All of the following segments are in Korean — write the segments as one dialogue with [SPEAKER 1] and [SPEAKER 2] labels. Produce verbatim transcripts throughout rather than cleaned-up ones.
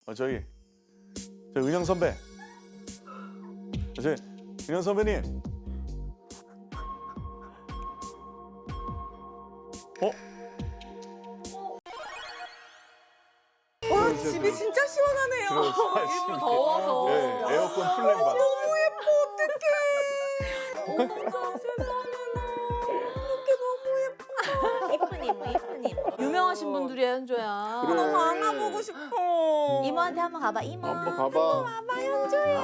[SPEAKER 1] 어, 저기 저 은영 선배, 저 은영 선배님, 어?
[SPEAKER 2] 와 집이 진짜 시원하네요.
[SPEAKER 1] 일부러
[SPEAKER 3] 더워서.
[SPEAKER 1] 네, 에어컨 플랜 반.
[SPEAKER 2] 너무 예뻐 어떡해. 어머나 세상에나 이렇게 너무 예뻐.
[SPEAKER 3] 이쁜 이모, 이쁜 이모. 유명하신 분들이야, 현조야.
[SPEAKER 1] 그래.
[SPEAKER 2] 너무 안아보고 싶어.
[SPEAKER 3] 이모한테 한번 가봐, 이모.
[SPEAKER 1] 한번 가봐.
[SPEAKER 3] 가봐, 현조야.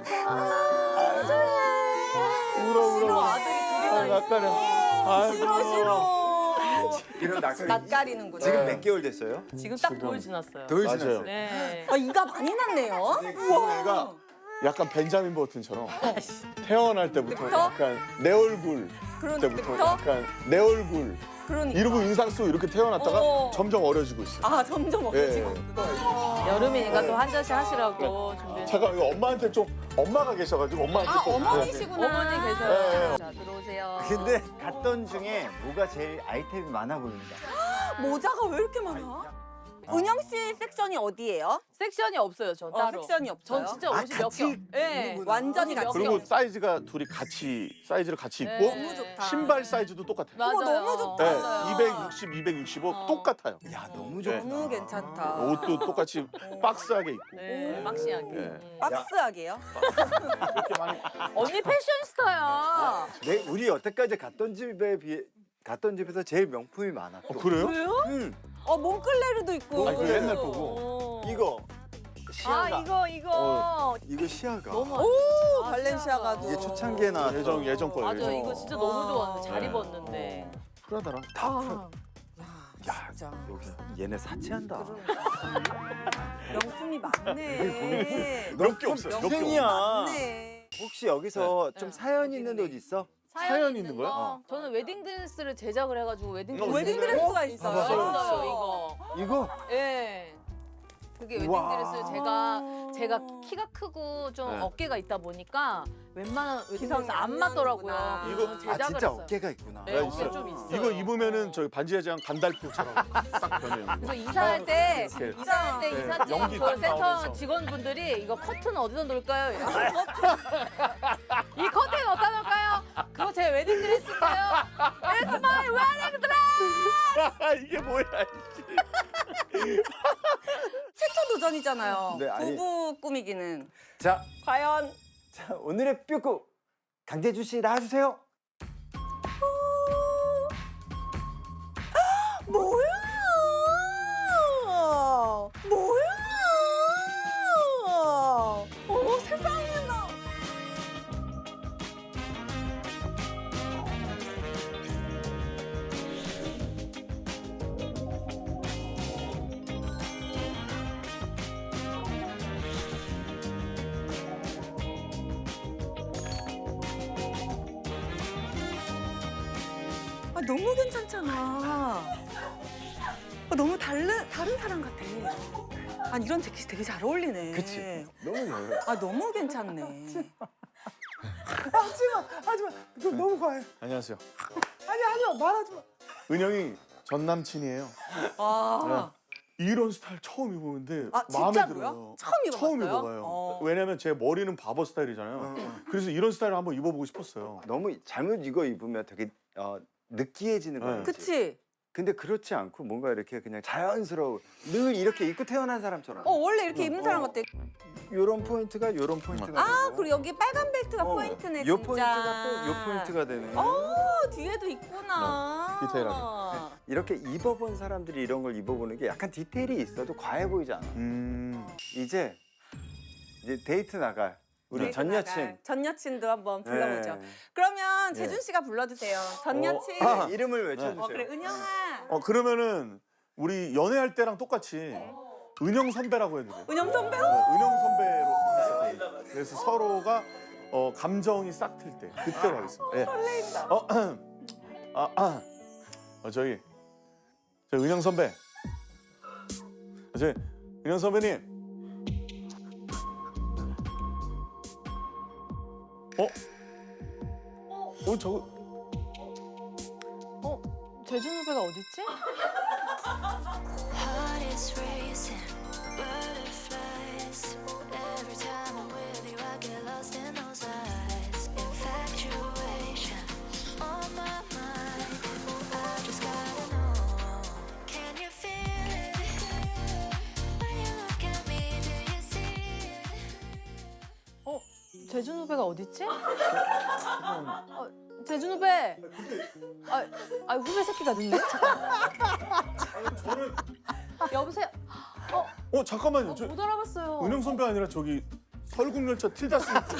[SPEAKER 1] 울어 울어.
[SPEAKER 2] 싫어 아들이 둘이나
[SPEAKER 1] 아,
[SPEAKER 2] 있어.
[SPEAKER 1] 낯가려. 아이고.
[SPEAKER 2] 싫어 싫어.
[SPEAKER 4] 이런 낯가리.
[SPEAKER 2] 낯가리는구나.
[SPEAKER 4] 지금 몇 개월 됐어요?
[SPEAKER 3] 지금 딱 돌 지났어요.
[SPEAKER 4] 돌
[SPEAKER 1] 맞아요.
[SPEAKER 4] 지났어요.
[SPEAKER 3] 네.
[SPEAKER 2] 아 이가 많이 났네요.
[SPEAKER 1] 우와. 애가 약간 벤자민 버튼처럼 태어날 때부터
[SPEAKER 2] 그때부터?
[SPEAKER 1] 약간 내 얼굴
[SPEAKER 2] 그런
[SPEAKER 1] 때부터
[SPEAKER 2] 때부터?
[SPEAKER 1] 약간 내 얼굴
[SPEAKER 2] 그러니까.
[SPEAKER 1] 이러고 인상 쓰고 이렇게 태어났다가
[SPEAKER 2] 어.
[SPEAKER 1] 점점 어려지고 있어요.
[SPEAKER 2] 아 점점 어려지고.
[SPEAKER 1] 예.
[SPEAKER 3] 여름이니까 또 한 잔씩 하시라고 준비해.
[SPEAKER 1] 잠깐 이거 엄마한테 좀 엄마가 계셔가지고 엄마한테
[SPEAKER 2] 아
[SPEAKER 1] 좀
[SPEAKER 2] 어머니시구나.
[SPEAKER 3] 어머니 계세요.
[SPEAKER 1] 네.
[SPEAKER 3] 자, 들어오세요.
[SPEAKER 4] 근데 갔던 중에 뭐가 제일 아이템이 많아 보입니다.
[SPEAKER 2] 모자가 왜 이렇게 많아? 은영 씨 섹션이 어디예요?
[SPEAKER 3] 섹션이 없어요, 전
[SPEAKER 2] 어,
[SPEAKER 3] 따로.
[SPEAKER 2] 섹션이 없어요.
[SPEAKER 3] 전 진짜
[SPEAKER 4] 아,
[SPEAKER 3] 옷이 몇
[SPEAKER 4] 같이
[SPEAKER 3] 겹. 예.
[SPEAKER 4] 입는구나.
[SPEAKER 2] 완전히
[SPEAKER 3] 몇
[SPEAKER 2] 같이.
[SPEAKER 1] 그리고
[SPEAKER 3] 겹.
[SPEAKER 1] 사이즈가 둘이 같이 사이즈를 같이 입고
[SPEAKER 3] 네.
[SPEAKER 2] 너무 좋다.
[SPEAKER 1] 신발 사이즈도 똑같아요.
[SPEAKER 3] 맞아요.
[SPEAKER 2] 어머, 너무 좋다.
[SPEAKER 1] 네,
[SPEAKER 3] 맞아요.
[SPEAKER 1] 이백육십, 이백육십오
[SPEAKER 3] 어.
[SPEAKER 1] 똑같아요.
[SPEAKER 4] 야 너무 좋다.
[SPEAKER 2] 너무 괜찮다.
[SPEAKER 1] 옷도 똑같이 박스하게 입고.
[SPEAKER 3] 네, 박시하게.
[SPEAKER 1] 네.
[SPEAKER 3] 음.
[SPEAKER 2] 박스하게요?
[SPEAKER 1] 이렇게 많이.
[SPEAKER 3] 언니 패션스타야.
[SPEAKER 4] 내 우리 여태까지 갔던 집에 비해 갔던 집에서 제일 명품이 많아.
[SPEAKER 1] 어, 그래요?
[SPEAKER 3] 왜요?
[SPEAKER 4] 응.
[SPEAKER 2] 어 몽클레르도 있고.
[SPEAKER 1] 아니, 그 옛날 거고.
[SPEAKER 3] 어.
[SPEAKER 4] 이거
[SPEAKER 3] 아,
[SPEAKER 4] 시아가.
[SPEAKER 3] 이거, 이거.
[SPEAKER 1] 어.
[SPEAKER 4] 이거 시아가.
[SPEAKER 3] 너무
[SPEAKER 2] 오
[SPEAKER 3] 아,
[SPEAKER 2] 발렌시아가도.
[SPEAKER 4] 이게 초창기에 나왔던.
[SPEAKER 1] 예전 예전 거예요.
[SPEAKER 3] 맞아,
[SPEAKER 1] 예전
[SPEAKER 3] 이거
[SPEAKER 1] 거.
[SPEAKER 3] 진짜 너무 좋았는데, 잘
[SPEAKER 1] 네.
[SPEAKER 3] 입었는데.
[SPEAKER 1] 프라다랑
[SPEAKER 2] 아. 야,
[SPEAKER 4] 야
[SPEAKER 2] 진짜.
[SPEAKER 4] 여기 얘네 사치한다.
[SPEAKER 2] 명품이 많네.
[SPEAKER 1] 몇 개 없어요. 몇 개
[SPEAKER 2] 명품이
[SPEAKER 4] 생이야.
[SPEAKER 2] 많네.
[SPEAKER 4] 혹시 여기서
[SPEAKER 3] 네.
[SPEAKER 4] 좀
[SPEAKER 3] 네.
[SPEAKER 4] 사연 있는 옷 있어?
[SPEAKER 1] 사연 있는 거야?
[SPEAKER 3] 거? 저는 웨딩드레스를 제작을 해가지고 웨딩드레스.
[SPEAKER 1] 어,
[SPEAKER 2] 웨딩드레스가
[SPEAKER 3] 있어요.
[SPEAKER 2] 있어요.
[SPEAKER 3] 있어요, 이거.
[SPEAKER 4] 이거?
[SPEAKER 3] 예. 그게
[SPEAKER 4] 우와.
[SPEAKER 3] 웨딩드레스 제가 제가 키가 크고 좀
[SPEAKER 1] 네.
[SPEAKER 3] 어깨가 있다 보니까 웬만한 웨딩드레스
[SPEAKER 2] 기성이
[SPEAKER 3] 안
[SPEAKER 2] 안
[SPEAKER 3] 맞더라고요.
[SPEAKER 2] 나는구나.
[SPEAKER 3] 그래서
[SPEAKER 1] 이거-
[SPEAKER 4] 아
[SPEAKER 3] 제작을
[SPEAKER 4] 진짜
[SPEAKER 3] 했어요.
[SPEAKER 4] 어깨가 있구나.
[SPEAKER 3] 네,
[SPEAKER 1] 네,
[SPEAKER 3] 어깨
[SPEAKER 1] 있어요.
[SPEAKER 3] 좀 있어요.
[SPEAKER 1] 이거 입으면은 저희 반지의 제왕 간달프처럼 딱 변해요.
[SPEAKER 3] 그래서 이사할 때
[SPEAKER 1] 이렇게.
[SPEAKER 3] 이사할 때
[SPEAKER 1] 네,
[SPEAKER 3] 이사팀
[SPEAKER 1] 연기
[SPEAKER 3] 그
[SPEAKER 1] 딱
[SPEAKER 3] 센터
[SPEAKER 1] 나오면서.
[SPEAKER 3] 직원분들이 이거 커튼 어디다 놓을까요? 이러고. 이 커튼 어디다 놓을까요? 그거 제 웨딩 드레스인데요. It's my wedding dress.
[SPEAKER 1] 이게 뭐야?
[SPEAKER 2] 최초 도전이잖아요.
[SPEAKER 4] 네, 아니-
[SPEAKER 2] 부부 꾸미기는.
[SPEAKER 4] 자,
[SPEAKER 2] 과연
[SPEAKER 4] 자 오늘의 뾰꾸 강재주 씨 나와주세요.
[SPEAKER 2] 뭐야? 뭐야? 어머 세상에나. 아 너무 괜찮잖아. 아, 너무 다른 다른 사람 같아. 아 이런 재킷이 되게 잘 어울리네.
[SPEAKER 4] 그치? 너무 좋아요.
[SPEAKER 2] 아 너무 괜찮네.
[SPEAKER 4] 하지마, 하지마. 이거 너무 과해.
[SPEAKER 1] 안녕하세요.
[SPEAKER 4] 아니 하지마, 말하지마.
[SPEAKER 1] 은영이 전 남친이에요.
[SPEAKER 2] 아,
[SPEAKER 1] 이런 스타일 처음 입어보는데
[SPEAKER 2] 아
[SPEAKER 1] 마음에
[SPEAKER 2] 진짜로요?
[SPEAKER 1] 들어요.
[SPEAKER 2] 처음 입어봤어요?
[SPEAKER 1] 처음 입어봐요.
[SPEAKER 2] 어.
[SPEAKER 1] 왜냐면 제 머리는 바보 스타일이잖아요. 그래서 이런 스타일을 한번 입어보고 싶었어요.
[SPEAKER 4] 너무 잘못 이거 입으면 되게 어, 느끼해지는
[SPEAKER 1] 네.
[SPEAKER 4] 거야.
[SPEAKER 2] 그치?
[SPEAKER 4] 근데 그렇지 않고 뭔가 이렇게 그냥 자연스러워. 늘 이렇게 입고 태어난 사람처럼.
[SPEAKER 2] 어 원래 이렇게 입는 사람 같아.
[SPEAKER 4] 요런 포인트가 요런 포인트가
[SPEAKER 2] 아
[SPEAKER 4] 되고.
[SPEAKER 2] 그리고 여기 빨간 벨트가
[SPEAKER 4] 어,
[SPEAKER 2] 포인트네
[SPEAKER 4] 요
[SPEAKER 2] 진짜.
[SPEAKER 4] 포인트가 또 요 포인트가 되네.
[SPEAKER 2] 어 뒤에도 있구나.
[SPEAKER 1] 네, 디테일하게.
[SPEAKER 4] 이렇게 입어본 사람들이 이런 걸 입어보는 게 약간 디테일이 있어도 과해 보이지 않아.
[SPEAKER 1] 음.
[SPEAKER 4] 이제 이제 데이트 나갈 우리
[SPEAKER 2] 데이트
[SPEAKER 4] 전
[SPEAKER 2] 나갈.
[SPEAKER 4] 여친.
[SPEAKER 2] 전 여친도 한번 불러보죠.
[SPEAKER 4] 네.
[SPEAKER 2] 그러면
[SPEAKER 1] 네.
[SPEAKER 2] 재준 씨가 불러주세요. 전
[SPEAKER 1] 어,
[SPEAKER 2] 여친.
[SPEAKER 1] 아.
[SPEAKER 4] 이름을 외쳐주세요.
[SPEAKER 2] 어 그래 은영아.
[SPEAKER 1] 어 그러면은 우리 연애할 때랑 똑같이 은영 선배라고 해도 돼요.
[SPEAKER 2] 은영 선배.
[SPEAKER 1] 네, 은영 선배로 했었거든요. 그래서 서로가 어, 감정이 싹 틀 때 그때로 하겠습니다. 예.
[SPEAKER 2] 설레인다.
[SPEAKER 1] 어, 아, 아, 어, 저기 저 은영 선배, 저 은영 선배님, 어, 어 저거
[SPEAKER 3] 어? 재준 후배가 어딨지?
[SPEAKER 5] Heart is racing, butterflies
[SPEAKER 3] 재준 후배가 어딨지? 어, 재준 후배. 아, 아 후배 새끼가 늦네.
[SPEAKER 1] 저는
[SPEAKER 3] 여보세요. 어,
[SPEAKER 1] 어 잠깐만요.
[SPEAKER 3] 어,
[SPEAKER 1] 저
[SPEAKER 3] 못 알아봤어요.
[SPEAKER 1] 은영 선배 아니라 저기 설국열차 틸다 스미트.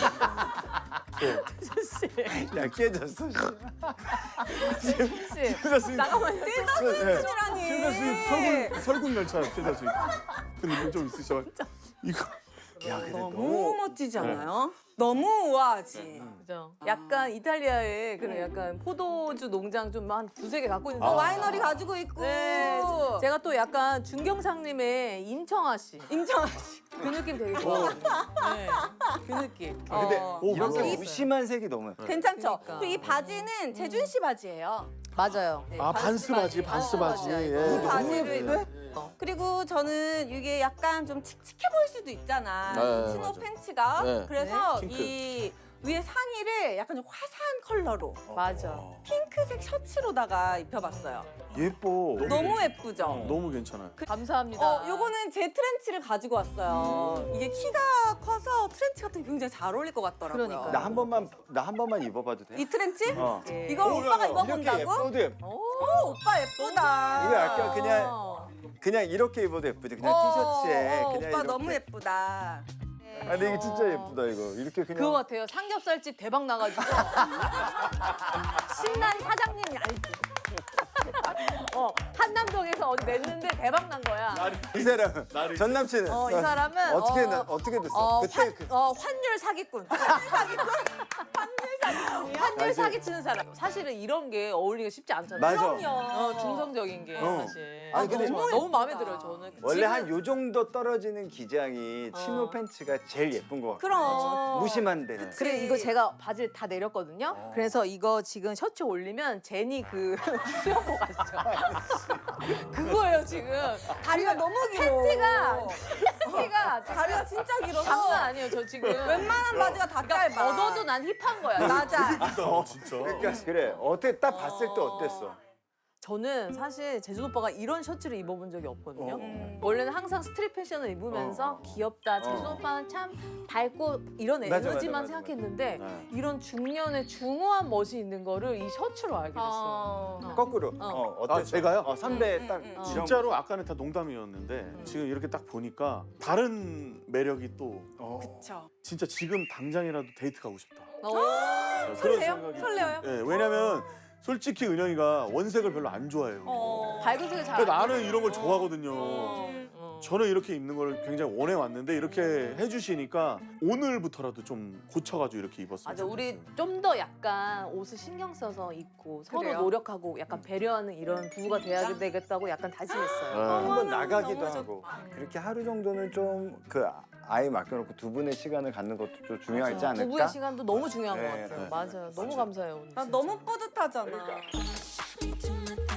[SPEAKER 3] 씨.
[SPEAKER 4] 야 깨졌어.
[SPEAKER 3] 씨.
[SPEAKER 1] 틸다 스미트.
[SPEAKER 3] 잠깐만요.
[SPEAKER 1] 틸다 스미트.
[SPEAKER 2] 라니
[SPEAKER 1] 틸다 스미트 설국 설국열차 틸다 스미트. 그 느낌 좀 있으셔. 이거.
[SPEAKER 4] 야 근데
[SPEAKER 2] 너무
[SPEAKER 4] 너무
[SPEAKER 2] 멋지지 않아요? 너무 우아하지.
[SPEAKER 3] 그죠. 약간 이탈리아에 그런 약간 포도주 농장 좀 한 두세 개 갖고 있는데.
[SPEAKER 2] 어, 와이너리 가지고 있고.
[SPEAKER 3] 네. 제가 또 약간 준경상님의 임청아 씨.
[SPEAKER 2] 임정아 씨.
[SPEAKER 3] 그 느낌 되게 좋아하거든요. 네. 그 느낌.
[SPEAKER 4] 아, 근데
[SPEAKER 2] 어.
[SPEAKER 1] 오,
[SPEAKER 4] 이렇게
[SPEAKER 1] 맞아요.
[SPEAKER 4] 무심한 색이 너무.
[SPEAKER 2] 괜찮죠?
[SPEAKER 3] 그러니까.
[SPEAKER 2] 그리고 이 바지는 재준 씨 바지예요.
[SPEAKER 3] 맞아요.
[SPEAKER 2] 네,
[SPEAKER 1] 아 반스 바지, 반스 바지.
[SPEAKER 3] 바지야, 이거.
[SPEAKER 1] 예.
[SPEAKER 2] 이 바지를
[SPEAKER 1] 네.
[SPEAKER 3] 어.
[SPEAKER 2] 그리고 저는 이게 약간 좀 칙칙해 보일 수도 있잖아.
[SPEAKER 1] 네,
[SPEAKER 2] 치노
[SPEAKER 1] 맞아.
[SPEAKER 2] 팬츠가.
[SPEAKER 1] 네.
[SPEAKER 2] 그래서
[SPEAKER 1] 핑크.
[SPEAKER 2] 이 위에 상의를 약간 좀 화사한 컬러로
[SPEAKER 3] 맞아.
[SPEAKER 2] 핑크색 셔츠로다가 입혀봤어요.
[SPEAKER 4] 예뻐.
[SPEAKER 2] 너무 예쁘죠?
[SPEAKER 1] 너무 괜찮아요.
[SPEAKER 3] 감사합니다.
[SPEAKER 2] 어, 요거는 제 트렌치를 가지고 왔어요. 이게 키가 커서 트렌치 같은 게 굉장히 잘 어울릴 것 같더라고요.
[SPEAKER 3] 그러니까요.
[SPEAKER 4] 나 한 번만 나 한 번만 입어봐도 돼?
[SPEAKER 2] 이 트렌치?
[SPEAKER 4] 어.
[SPEAKER 3] 예.
[SPEAKER 2] 이걸
[SPEAKER 1] 오,
[SPEAKER 2] 오빠가
[SPEAKER 1] 야, 야.
[SPEAKER 4] 이렇게
[SPEAKER 2] 입어본다고?
[SPEAKER 4] 예뻐도 예뻐.
[SPEAKER 3] 오,
[SPEAKER 2] 오, 오빠 예쁘다.
[SPEAKER 4] 이거 약간 그냥 그냥 이렇게 입어도 예쁘지. 그냥
[SPEAKER 2] 어,
[SPEAKER 4] 티셔츠에
[SPEAKER 2] 어,
[SPEAKER 4] 그냥
[SPEAKER 2] 오빠
[SPEAKER 4] 이렇게.
[SPEAKER 2] 너무 예쁘다.
[SPEAKER 4] 아 근데 이게 진짜 예쁘다 이거. 이렇게 그냥.
[SPEAKER 3] 그거 같아요. 삼겹살집 대박 나가지고 신난 사장님 알지? 어 한남동에서 어디 냈는데 대박 난 거야.
[SPEAKER 4] 이 사람
[SPEAKER 1] 나를-
[SPEAKER 4] 전 남친은
[SPEAKER 3] 어 이 사람은
[SPEAKER 4] 어떻게
[SPEAKER 3] 어,
[SPEAKER 4] 나, 어떻게 됐어?
[SPEAKER 3] 어,
[SPEAKER 4] 그때
[SPEAKER 3] 환,
[SPEAKER 4] 그,
[SPEAKER 3] 어 환율 사기꾼. 환율 사기꾼. 환율
[SPEAKER 4] 아,
[SPEAKER 3] 사기 치는 사람. 사실은 이런 게 어울리기가 쉽지 않잖아요.
[SPEAKER 4] 맞아.
[SPEAKER 2] 그럼요.
[SPEAKER 3] 어, 중성적인 게
[SPEAKER 4] 어.
[SPEAKER 3] 사실.
[SPEAKER 4] 아니, 근데
[SPEAKER 3] 너무, 너무 마음에 들어요 저는.
[SPEAKER 4] 원래
[SPEAKER 3] 지금-
[SPEAKER 4] 한 요 정도 떨어지는 기장이 치노
[SPEAKER 3] 어.
[SPEAKER 4] 팬츠가 제일 예쁜 것 같아.
[SPEAKER 2] 그럼.
[SPEAKER 4] 무심한 데는.
[SPEAKER 3] 그래 이거 제가 바지를 다 내렸거든요. 그래서 이거 지금 셔츠 올리면 제니 그 수영복 아시죠? 그거예요 지금.
[SPEAKER 2] 다리가 너무 길어.
[SPEAKER 3] 팬티가 팬티가
[SPEAKER 2] 다리가 진짜 길어서
[SPEAKER 3] 장난 아니에요 저 지금.
[SPEAKER 2] 웬만한 바지가 다
[SPEAKER 3] 그러니까
[SPEAKER 2] 짧아.
[SPEAKER 3] 걷어도 난 힙한 거야.
[SPEAKER 2] 맞아.
[SPEAKER 1] 어, 진짜.
[SPEAKER 4] 그러니까 그래. 어떻게 딱 봤을 때 어땠어?
[SPEAKER 3] 저는 사실 재준 오빠가 이런 셔츠를 입어본 적이 없거든요.
[SPEAKER 2] 음.
[SPEAKER 3] 원래는 항상 스트릿 패션을 입으면서
[SPEAKER 4] 어.
[SPEAKER 3] 귀엽다. 재준
[SPEAKER 4] 어.
[SPEAKER 3] 오빠는 참 밝고 이런
[SPEAKER 4] 맞아, 맞아,
[SPEAKER 3] 에너지만
[SPEAKER 4] 맞아,
[SPEAKER 3] 생각했는데
[SPEAKER 1] 네.
[SPEAKER 3] 이런 중년의 중후한 멋이 있는 거를 이 셔츠로 알게 됐어요.
[SPEAKER 2] 어.
[SPEAKER 4] 거꾸로.
[SPEAKER 3] 어.
[SPEAKER 4] 어, 어땠어?
[SPEAKER 1] 아, 제가요?
[SPEAKER 4] 어, 선배
[SPEAKER 2] 음,
[SPEAKER 4] 딱
[SPEAKER 2] 음, 음.
[SPEAKER 4] 이런
[SPEAKER 1] 진짜로 아까는 다 농담이었는데 지금 이렇게 딱 보니까 다른 매력이 또
[SPEAKER 4] 어.
[SPEAKER 2] 그쵸.
[SPEAKER 1] 진짜 지금 당장이라도 데이트 가고 싶다.
[SPEAKER 3] 어.
[SPEAKER 1] 그런
[SPEAKER 2] 설레요?
[SPEAKER 1] 생각이-
[SPEAKER 2] 설레요?
[SPEAKER 1] 예, 왜냐면 솔직히 은영이가 원색을 별로 안 좋아해요.
[SPEAKER 2] 어.
[SPEAKER 3] 밝은색을 잘.
[SPEAKER 1] 근데
[SPEAKER 3] 안
[SPEAKER 1] 나는
[SPEAKER 3] 입어요.
[SPEAKER 1] 이런 걸 좋아하거든요.
[SPEAKER 2] 음.
[SPEAKER 3] 어.
[SPEAKER 1] 저는 이렇게 입는 걸 굉장히 원해 왔는데 이렇게 해주시니까 오늘부터라도 좀 고쳐가지고 이렇게 입었어요.
[SPEAKER 3] 맞아, 우리 좀 더 약간 옷을 신경 써서 입고 서로
[SPEAKER 2] 그래요?
[SPEAKER 3] 노력하고 약간 배려하는 이런 부부가 돼야 되겠다고 약간 다짐했어요.
[SPEAKER 1] 네.
[SPEAKER 4] 한번
[SPEAKER 2] 너무
[SPEAKER 4] 나가기도
[SPEAKER 2] 너무
[SPEAKER 4] 하고 그렇게 하루 정도는 좀 그 아이 맡겨놓고 두 분의 시간을 갖는 것도 좀 중요하지 않을까?
[SPEAKER 3] 부부의 시간도 너무 중요한
[SPEAKER 4] 네,
[SPEAKER 3] 것 같아요.
[SPEAKER 4] 네.
[SPEAKER 3] 맞아요. 너무 감사해요. 오늘
[SPEAKER 2] 나
[SPEAKER 3] 진짜.
[SPEAKER 2] 너무 뿌듯하잖아.
[SPEAKER 4] 그러니까.
[SPEAKER 5] me to my